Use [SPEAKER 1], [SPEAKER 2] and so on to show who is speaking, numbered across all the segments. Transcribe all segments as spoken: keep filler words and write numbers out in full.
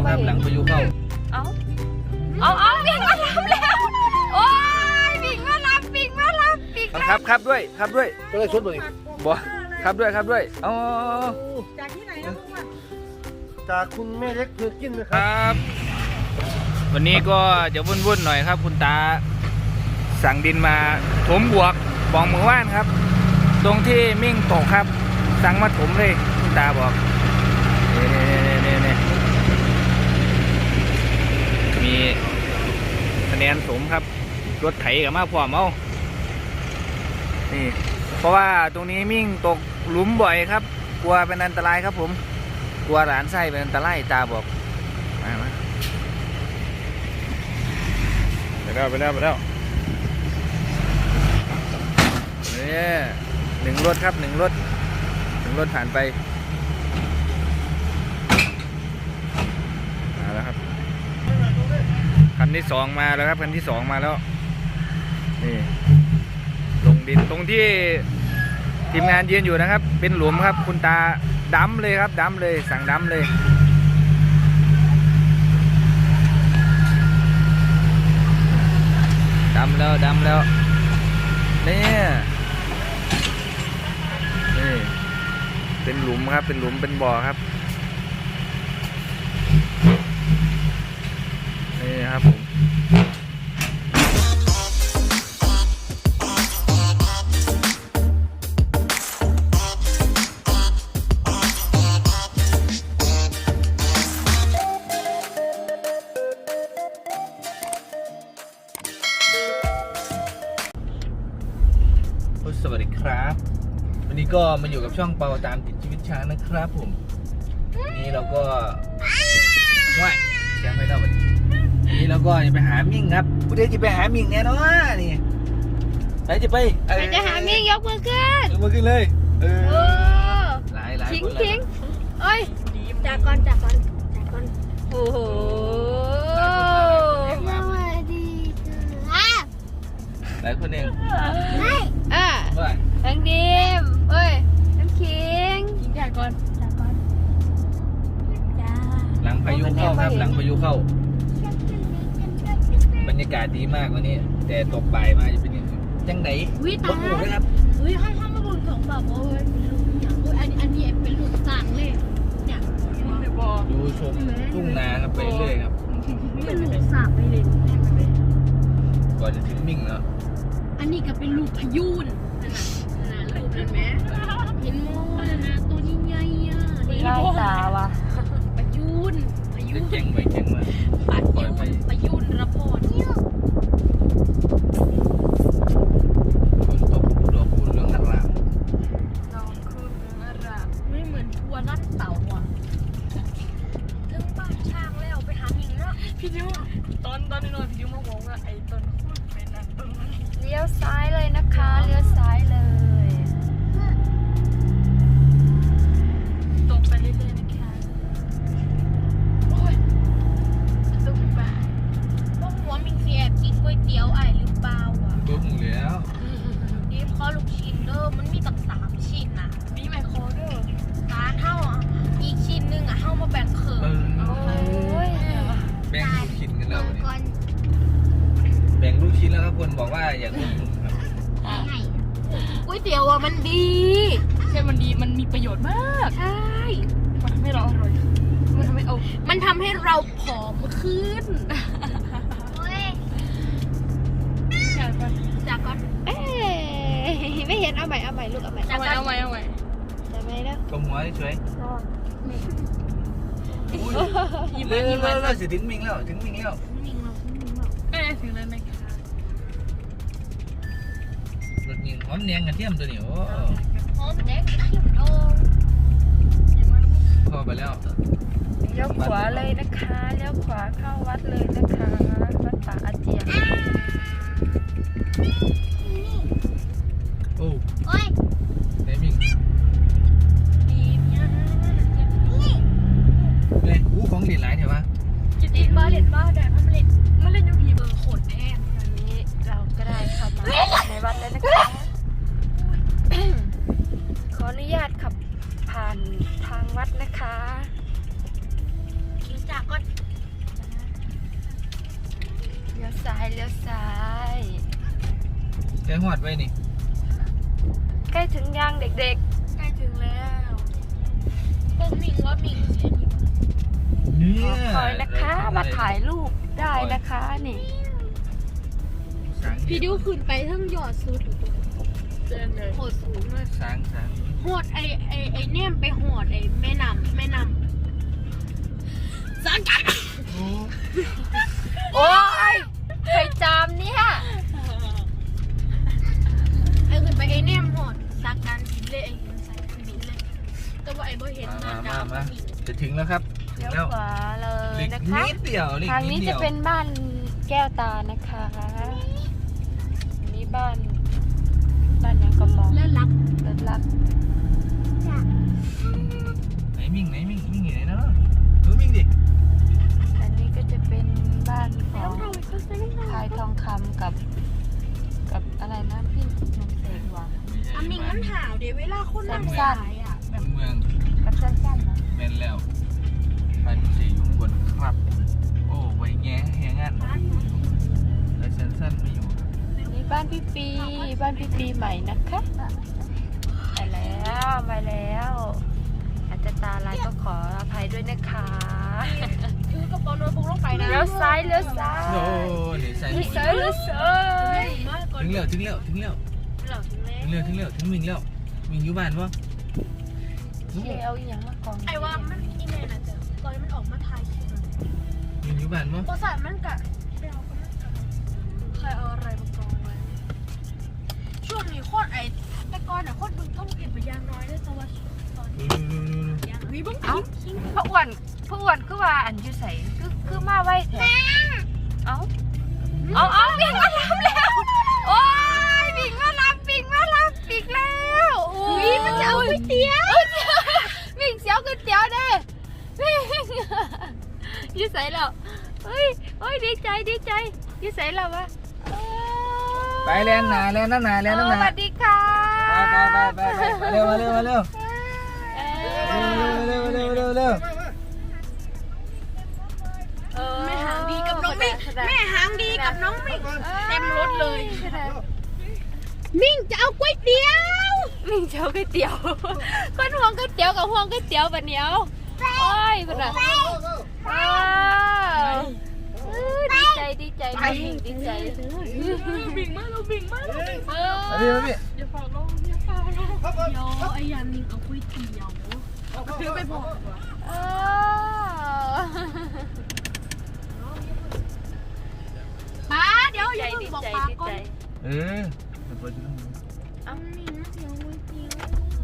[SPEAKER 1] ครับหลังพายุเข้า
[SPEAKER 2] เอาเอาเอาปิงมารับแล้วโอ้ยปิงมารับปิงมารับปิง
[SPEAKER 1] ครับครับด้วยครับด้วย
[SPEAKER 3] ก็เลยชุดเลย
[SPEAKER 1] บ่ครับด้วยครับด้วยอ๋อ
[SPEAKER 4] จากที่ไหนนะลุงอ่ะ
[SPEAKER 3] จากคุณแม่เล็กเพื่อกินนะค
[SPEAKER 1] รับ วันนี้ก็จะวุ่นๆหน่อยครับคุณตาสั่งดินมาถมบวกบองมือว่านครับตรงที่มิ่งตกครับสั่งมาถมเลยคุณตาบอกเนี่ยมีคะแนนสมครับรถไถกับมาพร้อมเอานี่เพราะว่าตรงนี้มิ่งตกหลุมบ่อยครับกลัวเป็นอันตรายครับผมกลัวหลานไส้เป็นอันตรายตาบอกมามาไปแล้วไปแล้วไปแล้วเนี่ยหนึ่งรถครับหนึ่งรถหนึ่งรถผ่านไปมาแล้วครับคันที่สองมาแล้วครับคันที่สองมาแล้วนี่ลงดินตรงที่ทีมงานยืนอยู่นะครับเป็นหลุมครับคุณตาดำเลยครับดำเลยสั่งดำเลยดำแล้วดำแล้วนี่นี่เป็นหลุมครับเป็นหลุมเป็นบ่อครับนี่ครับผมสวัสดีครับวันนี้ก็มาอยู่กับช่องเปาตามติดชีวิตช้างนะครับผมวันนี้เราก็ว่ายแจ้งไม่ได้วันนี้เราก็จะไปหามิ่งครับผู้ใดจะไปหามิ่งแน่นอนนี่ไหนจะไป
[SPEAKER 2] ไปจะหามิ่งยกมือขึ้น
[SPEAKER 1] ยกมือขึ้นเลยเออหลายหลาย
[SPEAKER 2] ทิ้งทิ้งเอ้ยจากก่อนจากก่อนจากก่อนโอ้โห
[SPEAKER 1] หลายคนเอง
[SPEAKER 2] อ่ะทั้งดิมเอ้ยทั้งคิงคิงจากก่อนจากก่อนจ้า
[SPEAKER 1] หลังพายุเข้าครับหลังพายุเข้าบรรยากาศดีมากวันนี้แต่ตกบ่ายมาจะเป็นยังไงจังไหน
[SPEAKER 4] วิตา
[SPEAKER 1] ครับ
[SPEAKER 4] วิห้องห้องมาบนของแบบว่าอย่างอันอันนี้เป็นหลุมต่างเลยเนี่ย
[SPEAKER 1] ดูชมทุ่งนาครับไปเรื่อยครับ
[SPEAKER 4] เป็นหลุมสาบไปเลย
[SPEAKER 1] ก่อนจะถึงมิ่งเนาะ
[SPEAKER 4] อันนี้ก็เป็นลูกพยูนนะนะลูกนั่นไหมเห็นโม่นะตัวใหญ่ๆอ่ะ
[SPEAKER 2] ไล่ตาวะ
[SPEAKER 4] พยูนพยูน
[SPEAKER 1] เก่งไปเก่งมา
[SPEAKER 4] ปัดยูนพยูนระพด
[SPEAKER 1] ฝนตกดอกคูณเรื่องอาราม
[SPEAKER 2] ดอกคูณเรื่องอาราม
[SPEAKER 4] ไม่เหมือนทัวร์ลั่นเต่าอ่ะเรื่องบ้านช่างแล้วไปหาหิงแล้ว
[SPEAKER 5] พี่ดิวตอนตอนนี้นอนพี่ดิวมาบอกว่าไอ้ต้นคูณเป็นนั่นต้นนั้น
[SPEAKER 2] เลี้ยวซ้ายเลยนะคะเลี้ยวซ้ายเลย
[SPEAKER 5] ตกไปเรื่อยๆนะคะโอ้ยตุ๊กตา
[SPEAKER 4] พวกหัวมิงเสียกินก๋วยเตี๋ยวไอ้หรือเปล่าอ่ะ
[SPEAKER 1] ตัวหมูแล้ว
[SPEAKER 4] ดิมขอลูกชิ้นเด้อมันมีตั้งสามชิ้นอ่ะ
[SPEAKER 5] มีไมโครเด้อ
[SPEAKER 4] ตาเท่าอ่ะอีกชิ้นหนึ่งอ่ะเท่ามาแบ่งเขิน
[SPEAKER 2] โอ้ย
[SPEAKER 1] แบ่งลูกชิ้นกันแล้วแบ่งลูกชิ้นแล้วครับคนบอกว่าอยากกิน
[SPEAKER 4] ก๋วยเตี๋ยวอ่ะมันดี
[SPEAKER 5] ใช่มันดีมันมีประโยชน์มาก
[SPEAKER 4] ใช่
[SPEAKER 5] มันทำให้เราอร่อยมันทำให้เอา
[SPEAKER 4] มันทำให้เราผอมขึ้น
[SPEAKER 5] จากก่อน
[SPEAKER 4] จากก่อน
[SPEAKER 2] เอ๊ไม่เห็นเอาใหม่เอาใหม่ลูกเอาใหม่
[SPEAKER 5] เอาใหม่เอาใหม่เอาใหม่
[SPEAKER 2] จะไหมแล้ว
[SPEAKER 1] กลมหัวเฉย
[SPEAKER 5] ยิ้ม
[SPEAKER 1] เลย
[SPEAKER 5] ยิ้ม
[SPEAKER 1] เราจะถึงมิ่งแล้วถึงมิ่งแล้ว
[SPEAKER 5] เอ๊ะถึงเลยไหมคะ
[SPEAKER 1] รถยิงหอมแดงกระเทียมตัวนี้โอ้
[SPEAKER 4] หอมแดงกระเทียมโดน
[SPEAKER 1] พอไปแล้ว
[SPEAKER 2] เลี้ยวขวาเลยนะคะเลี้ยวขวาเข้าวัดเลยนะคะวัดป่าอาเจียน
[SPEAKER 1] โอ้
[SPEAKER 4] โอ้ย
[SPEAKER 1] ไหนมิ่ง
[SPEAKER 4] ดีเนี่ย
[SPEAKER 1] เลยอู้ของดีหลายใช่ปะ
[SPEAKER 4] จะดีบ้าเล่นบ้าแดดพัมเล่นมาเล่นยูพีเบอร์โขดแทน
[SPEAKER 2] ตอนนี้เราก็ได้เข้ามาในวัดแล้วนะคะขออนุญาตขับผ่านทางวัดนะคะ
[SPEAKER 4] จากก่อน
[SPEAKER 2] เลี้ยวซ้ายเลี้ยวซ้าย
[SPEAKER 1] แกหอดไว้นี่
[SPEAKER 2] ใกล้ถึงยังเด็ก
[SPEAKER 4] ใกล้ถึงแล้วพวกมิงว่ามิงเสีย
[SPEAKER 1] เนี่
[SPEAKER 2] ๆคอยนะคะ มาถ่ายรูปได้นะคะนี่
[SPEAKER 4] พี่ดิวขึ้นไปทั้งยอดสุดเดินเลยโหดสูงเลย
[SPEAKER 1] ช้างช้าง
[SPEAKER 4] โหดไอไอไอเนี่ยไปโหดไอแม่นำแม่นำสังกัด
[SPEAKER 2] โอ้ยใครจามเนี่ย
[SPEAKER 4] ไอขึ้นไปไอเนี่ยโหดสักการบินเลยไอยินใส่บินเลยแต่ว่าไอบ่เห็น
[SPEAKER 1] มา
[SPEAKER 4] หน้า
[SPEAKER 1] มา
[SPEAKER 4] ดาว
[SPEAKER 1] มา
[SPEAKER 4] บิน
[SPEAKER 1] จะถึงแล้วครับ
[SPEAKER 2] เลี้ยว
[SPEAKER 1] แล้ว
[SPEAKER 2] ขวาเลย
[SPEAKER 1] เล็ก
[SPEAKER 2] นะคะ
[SPEAKER 1] นิดเดียวเล็ก
[SPEAKER 2] ทาง
[SPEAKER 1] นิ
[SPEAKER 2] นี้
[SPEAKER 1] ดเดี
[SPEAKER 2] จะ
[SPEAKER 1] ยว
[SPEAKER 2] เป็นบ้านแก้วตานะคะอันนี้บ้าน บ้านยังกระป๋อง
[SPEAKER 4] และรับ
[SPEAKER 2] รถลัก
[SPEAKER 1] ไหนมิ่งไหนมิ่งมิ่งอยู่ไหนเนาะดูมิ่งดิ
[SPEAKER 2] อันนี้ก็จะเป็นบ้านของพายทองคำกับ กับอะไรนะพี่หนุ่มเสกหวัง
[SPEAKER 4] อามิงมันหาวเดี๋ยวเวลาคนนั่ง
[SPEAKER 2] สั้น
[SPEAKER 4] ขายอ่ะแบบ
[SPEAKER 1] เมือง
[SPEAKER 2] กับสั้นๆนะ
[SPEAKER 1] แมนแล้วบ้านสีอยู่ข้างบนครับ โอ้ไว้แง่แหงานไอ้สั้นๆไม่อยู่
[SPEAKER 2] นี่บ้านพี่ปี บ้านพี่ปีใหม่นะคะไปแล้วไปแล้ว อาจจะตาลายก็ขออภัยด้วยนะคะ
[SPEAKER 4] คือกระเป๋าโน้ตบุ๊กลงไปนะ
[SPEAKER 2] เลี้ยวซ้ายเลี้ยวซ้าย
[SPEAKER 1] โอ้นี่ใส่
[SPEAKER 2] เลี้ยวซ้ายเลี้ยวซ้าย
[SPEAKER 1] ถึงแล้วถึงแล้วถึงแล้ว
[SPEAKER 4] เราถึงแล้
[SPEAKER 1] ถึงแล้วถึงแล้วถึงมิ่งแล้วมิ่งอยู่บ้านวะ
[SPEAKER 2] เชี่ยวอีหยังมากอง
[SPEAKER 4] ไอ้ว่ามันอีเมลน่ะจ้ะตอนมันออกมาถ่ายคลิปน่ะ
[SPEAKER 1] มิ่งอยู่บ้านวะ
[SPEAKER 4] บริษัทมันกะไปเอาก็มันกะใครเอาอะไรมากองไว้ช่วงนี้โคตรไอ้แต่ก่อนอ่ะโคตรบึงต้องเก็บไปยางน้อยเลยแต่ว่าตอนนี้
[SPEAKER 1] ดูดูดูดู
[SPEAKER 4] ยางมีบึ้ง
[SPEAKER 2] เอ้า
[SPEAKER 4] ทิ้ง
[SPEAKER 2] พระอ้วนพระอ้วนคือว่าอันอยู่ใส่คือคือมาไว้แท้เอ้าเอาเอาปิงมารับแล้วโอ้ยปิงมารับปิงมารับปิงแล้วโอ้ยมันจะเอาก๋วยเตี๋ยวปิงเสียวก๋วยเตี๋ยวเด้ปิงอยู่ใส่แล้วเฮ้ยเฮ้ยดีใจดีใจอยู่ใส่แล้ววะ
[SPEAKER 1] ไปแลนหนาแลนน้ำหนาแลนน้ำห
[SPEAKER 2] ส
[SPEAKER 1] นา
[SPEAKER 2] วัสดีค่ะ
[SPEAKER 1] ไปไปไปไปไปเร็วมาเร็วมาเร็ว
[SPEAKER 2] เอ
[SPEAKER 1] เร็ว
[SPEAKER 2] อ
[SPEAKER 1] เร็วเร็วเร็ว
[SPEAKER 2] เออ
[SPEAKER 4] แม่หางดีกับน้องมิ่งแม่หางดีกับน้องมิ่งเต็มรถเลย มิ่งจะเอาก๋วยเตี๋ยว
[SPEAKER 2] มิ่งเจ้าก๋วยเตี๋ยวคนห่วงก๋วยเตี๋ยวกับห่วงก๋วยเตี๋ยวแบบเหนียวโอ้ยคุณอะว้าวดีใจดีใจมิ่งดีใจ
[SPEAKER 4] มิ่งมากเรามิ่งมากเรามิ่ง
[SPEAKER 2] เอ
[SPEAKER 1] มาพี่
[SPEAKER 2] อ
[SPEAKER 1] มาพี่
[SPEAKER 4] อย่าฝากลงอย่าฝากลงเดี๋ยวไอ้ยามิ่งเอาก๋วยเตี๋ยวเดี๋ยวไปบอก
[SPEAKER 2] เออ
[SPEAKER 4] ป้าเดี๋ยวอย่า
[SPEAKER 2] ใจ
[SPEAKER 4] เพิ่ง
[SPEAKER 2] ดี
[SPEAKER 4] บอก
[SPEAKER 2] ใจ
[SPEAKER 4] ป้า
[SPEAKER 2] ดี
[SPEAKER 4] ก่อ
[SPEAKER 2] ใจ
[SPEAKER 4] น
[SPEAKER 1] เออเปิดอยู่ตรงนี้
[SPEAKER 4] เอามิ่งมาเตี๋ยวก๋วยเตี๋ยว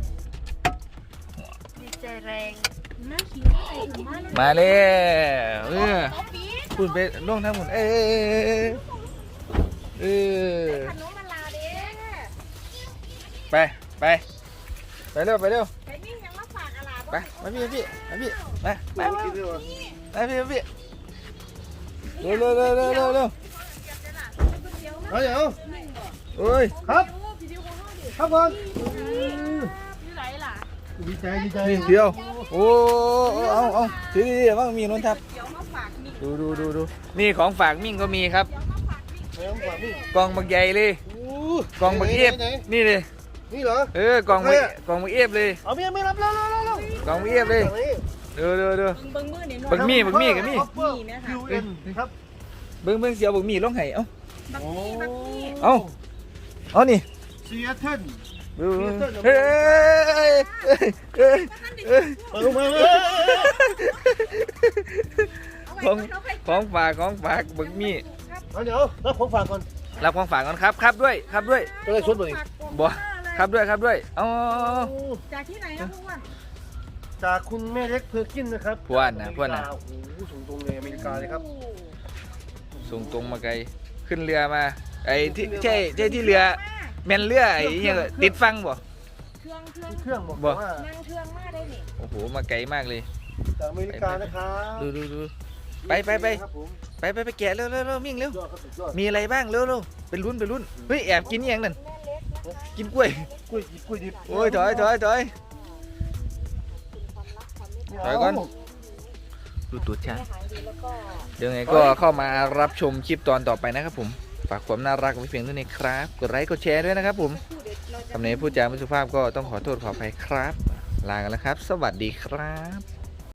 [SPEAKER 2] ดีใจแรง
[SPEAKER 4] น่าคิดว่าไอ้หนูมาแล้ว
[SPEAKER 1] มาเลยเออ
[SPEAKER 4] เอาปี๊ด
[SPEAKER 1] คุณไปลงทางหมุนเออเออ
[SPEAKER 4] ขนมมาลาเด้
[SPEAKER 1] ไปไปไปเร็วไปเร็ว
[SPEAKER 4] ไอ้มิ่งยังมาฝากอะไร
[SPEAKER 1] ไปมาพี่มาพี่มาพี่มามามา
[SPEAKER 3] กินด้วยวะ
[SPEAKER 1] มาพี่มาพี่เร็วเร็วเร็วเร็วเร็วเร็ว
[SPEAKER 3] เอาเดี๋ยว
[SPEAKER 1] โอ้ย
[SPEAKER 3] ครับครับก่อน
[SPEAKER 4] ที่ไหนล่ะ
[SPEAKER 3] ดีใจดีใจ
[SPEAKER 1] นี่เดียวโอ้เอาเอาถือดีๆบ้างมีนนทับดูดูดูดูนี่ของฝากมิ่งก็มีครับ
[SPEAKER 3] ไหนของฝากนี่
[SPEAKER 1] กองบักใหญ่เลย
[SPEAKER 3] อู้
[SPEAKER 1] กองบักเอฟ
[SPEAKER 3] ไหน
[SPEAKER 1] นี่เลย
[SPEAKER 3] นี่เหรอ
[SPEAKER 1] เออกองบักกองบักเอฟเลย
[SPEAKER 3] เอาเมียไม่รับแล้วแล้วแล้วแล้ว
[SPEAKER 1] กองบักเอฟเลยดูดูดูบักมี่บักมี่กับมี่
[SPEAKER 3] ยูเอ็นครับ
[SPEAKER 1] เบิ้งเบิ้งเสียวบักมี่ลงไห้เอ้า
[SPEAKER 3] โอ้
[SPEAKER 1] เอ้าเอานี่
[SPEAKER 3] ซีแอตเทิล
[SPEAKER 1] ดูเฮ้ยเฮ้ยเฮ้ยเฮ้ย
[SPEAKER 3] มาลงมาเลย
[SPEAKER 1] ของของฝากของฝากบักมี่
[SPEAKER 3] เอาเดี๋ยวรับของฝากก่อน
[SPEAKER 1] รับของฝากก่อนครับครับด้วยครับด้วย
[SPEAKER 3] จะได้ชดบ่นี่
[SPEAKER 1] บ่ครับด้วยครับด้วยเอ๋อ
[SPEAKER 4] จากที่ไหนนะพวก
[SPEAKER 3] จากคุณแม่เล็กเพอร์กินนะครับ
[SPEAKER 1] พวนนะพวนนะ
[SPEAKER 3] โอ้โหสูงตรงเลยอเมริกาเลยครับ
[SPEAKER 1] ส่งตรงมาไกลขึ้นเรือมาไอ้ที่ใช่ใช่ที่เรือแมนเรือไอ้เหี้ยติดฟังบ่
[SPEAKER 4] เครื่องเครื่อง
[SPEAKER 3] เครื่องบอก
[SPEAKER 1] บ่
[SPEAKER 3] ว่า
[SPEAKER 4] นั่งเครื่องมาได้นี่
[SPEAKER 1] โอ้โหมาไกลมากเลย
[SPEAKER 3] จากอเมริกานะครับ
[SPEAKER 1] ดูดูดูไปไปไป
[SPEAKER 3] ครับผม
[SPEAKER 1] ไปไปไปแกะเร็วเร็วเร็วมิ่งเร็วย
[SPEAKER 3] อดครับสุดยอด
[SPEAKER 1] มีอะไรบ้างเร็วเร็วไปลุ้นไปลุ้นเฮ้ยแอบกินอหยังนั่นกินกล้วย
[SPEAKER 3] กล้วยดิบกล้วยดิบ
[SPEAKER 1] โอ้ยถอยถอยถอย ถอยก่อน ดูดูตูดช้างเดี๋ยวไงก็เข้ามารับชมคลิปตอนต่อไปนะครับผมฝากความน่ารักไว้เพียงเท่านี้ครับกดไลค์กดแชร์ด้วยนะครับผมคำนี้พูดจาไม่สุภาพก็ต้องขอโทษขออภัยครับลากันแล้วครับ สวัสดีครับ